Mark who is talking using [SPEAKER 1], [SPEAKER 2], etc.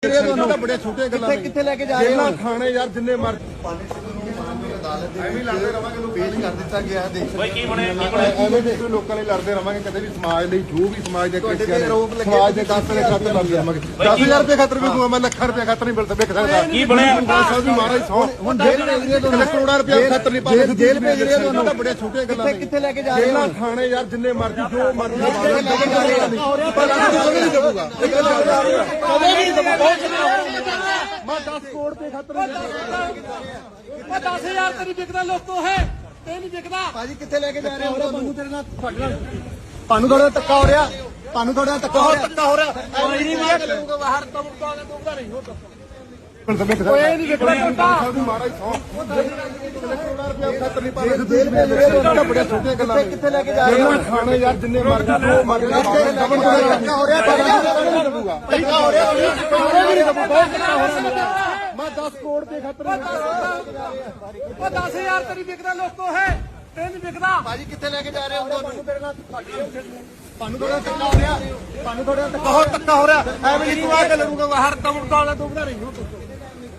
[SPEAKER 1] बड़े छोटे
[SPEAKER 2] किथे लेके जा रहे हो
[SPEAKER 1] खाने यार जिन्ने मर ਲੋਕਾਂ ਲਈ ਲੜਦੇ ਰਵਾਂਗੇ ਕਦੇ ਵੀ ਸਮਾਜ ਲਈ ਜੋ ਵੀ ਸਮਾਜ ਦੇ ਸਮਾਜ ਦੇ ਖਾਤਰ ਲੜਦੇ ਰਵਾਂਗੇ 10,000 ਰੁਪਏ ਖਾਤਰ ਵੀ ਦੂਆ ਮੈਂ ਲੱਖਾਂ ਰੁਪਏ ਖਾਤਰ ਨਹੀਂ ਮਿਲ ਸਕਦਾ
[SPEAKER 3] ਕੀ ਬਣਿਆ
[SPEAKER 1] ਸਾਹਿਬ ਵੀ ਮਹਾਰਾਜ ਸੌ ਹੁਣ ਜੇਲ੍ਹ ਭੇਜ ਰਹੇ ਤੁਹਾਨੂੰ ਕਰੋੜਾਂ ਰੁਪਏ ਖਾਤਰ ਨਹੀਂ ਪਾਉਂਦੇ ਜੇਲ੍ਹ ਭੇਜ ਰਹੇ ਤੁਹਾਨੂੰ ਤਾਂ ਬੜੇ ਛੋਟੇ ਗੱਲਾਂ ਨੇ
[SPEAKER 2] किथे लेके जा रहे हो
[SPEAKER 1] ਖਾਣੇ ਯਾਰ ਜਿੰਨੇ ਮਰਜ਼ੀ ਜੋ ਮਰਜ਼ੀ ਕਦੇ ਨਹੀਂ ਦੇਊਗਾ ਮੈਂ 10 ਕਰੋੜ ਦੇ ਖਾਤਰ
[SPEAKER 3] 10,000 ਤੇ ਨਹੀਂ ਵਿਕਦਾ ਲੋਕੋ ਹੈ ਤੇ ਨਹੀਂ ਵਿਕਦਾ
[SPEAKER 2] ਭਾਜੀ ਕਿੱਥੇ ਲੈ ਕੇ ਜਾ ਰਹੇ ਹੋ ਤੁਹਾਨੂੰ ਤੇਰੇ ਨਾਲ ਤੁਹਾਨੂੰ ਥੋੜਾ ਧੱਕਾ ਹੋ ਰਿਹਾ ਤੁਹਾਨੂੰ ਥੋੜਾ ਧੱਕਾ ਹੋ ਰਿਹਾ
[SPEAKER 3] ਕੋਈ ਨਹੀਂ ਮੈਂ ਕਰੂੰਗਾ ਬਾਹਰ ਤੋਂ ਦੂੰਗਾ ਨਹੀਂ ਹੋ
[SPEAKER 1] ਕੋਈ ਨਹੀਂ ਵਿਕਦਾ ਸਾਹਿਬ ਵੀ ਮਹਾਰਾਜ ਸੌ ਕਰੋੜਾਂ ਰੁਪਏ ਖਾਤਰ ਨਹੀਂ ਪਾਉਂਦੇ ਜੇਲ੍ਹ ਭੇਜ ਰਹੇ ਤੁਹਾਨੂੰ ਬੜੇ ਛੋਟੇ ਗੱਲਾਂ ਨੇ
[SPEAKER 2] ਕਿੱਥੇ ਲੈ ਕੇ ਜਾ ਰਹੇ ਹੋ
[SPEAKER 1] ਖਾਣੇ ਯਾਰ ਜਿੰਨੇ ਮਰਜ਼ੀ ਜੋ ਮਰਜ਼ੀ
[SPEAKER 2] ਧੱਕਾ ਹੋ ਰਿਹਾ ਧੱਕਾ ਹੋ ਰਿਹਾ
[SPEAKER 1] ਮੈਂ 10 ਕਰੋੜ ਦੇ ਖਾਤਰ
[SPEAKER 3] 10,000 ਤੇ ਨਹੀਂ ਵਿਕਦਾ ਲੋਕੋ ਹੈ ਤੇ ਨਹੀਂ ਵਿਕਦਾ
[SPEAKER 2] ਭਾਜੀ ਕਿੱਥੇ ਲੈ ਕੇ ਜਾ ਰਹੇ ਹੋ ਤੁਹਾਨੂੰ ਤੇਰੇ ਨਾਲ ਤੁਹਾਨੂੰ ਥੋੜਾ ਧੱਕਾ ਹੋ ਰਿਹਾ ਤੁਹਾਨੂੰ ਥੋੜਾ ਧੱਕਾ ਹੋ ਰਿਹਾ
[SPEAKER 3] ਐਵੇਂ ਨਹੀਂ ਤੂੰ ਆ ਕੇ ਲੜੂਗਾ ਬਾਹਰ ਤੋਂ ਦੂੰਗਾ ਨਹੀਂ ਹੋ